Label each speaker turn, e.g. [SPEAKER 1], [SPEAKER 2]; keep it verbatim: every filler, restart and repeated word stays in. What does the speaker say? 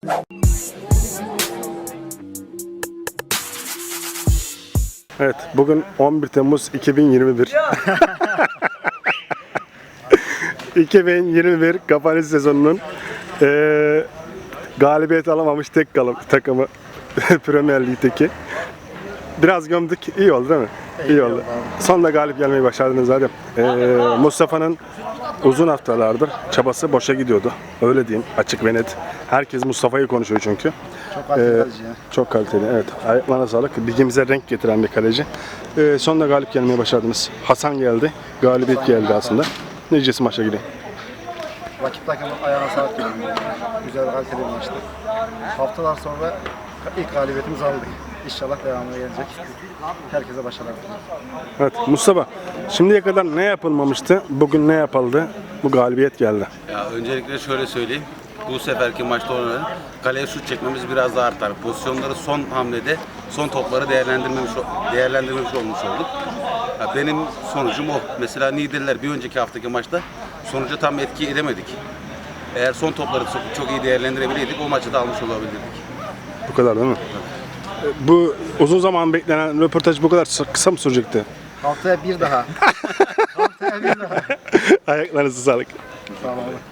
[SPEAKER 1] Evet, bugün on bir Temmuz iki bin yirmi bir. iki bin yirmi bir kapanış sezonunun eee galibiyet alamamış tek kalım, takımı Premier Lig'deki. Biraz gömdük, iyi oldu değil mi? İyi, iyi oldu. Sonunda galip gelmeyi başardınız zaten. Ee, Mustafa'nın uzun haftalardır çabası boşa gidiyordu. Öyle diyeyim, açık ve net. Herkes Mustafa'yı konuşuyor çünkü.
[SPEAKER 2] Çok kaliteli
[SPEAKER 1] Ee,
[SPEAKER 2] kaleci ya.
[SPEAKER 1] Çok kaliteli, evet. Ayaklarına sağlık. Ligimize renk getiren bir kaleci. Ee, sonunda galip gelmeyi başardınız. Hasan geldi, galibiyet geldi aslında. Necesi maça gidiyor.
[SPEAKER 2] Rakip takımın ayağına sağlık diyorum. Güzel kaliteli bir maçtı. Haftalar sonra ilk galibiyetimizi aldık. İnşallah devamına gelecek. Herkese başarılar.
[SPEAKER 1] Evet, Mustafa, şimdiye kadar ne yapılmamıştı, bugün ne yapıldı, bu galibiyet geldi.
[SPEAKER 3] Ya öncelikle şöyle söyleyeyim. Bu seferki maçta oynanan kaleye şut çekmemiz biraz daha artar. Pozisyonları son hamlede, son topları değerlendirmemiş değerlendirmemiş olmuş olduk. Ya benim sonucum o. Mesela Niğdeliler bir önceki haftaki maçta sonuca tam etki edemedik. Eğer son topları çok, çok iyi değerlendirebileydik o maçı da almış olabilirdik.
[SPEAKER 1] Bu kadar değil mi? Bu uzun zaman beklenen röportaj bu kadar kısa mı sürecekti?
[SPEAKER 2] Haftaya bir daha. Haftaya bir daha.
[SPEAKER 1] Ayaklarınızı sağlık.
[SPEAKER 2] Sağ olun.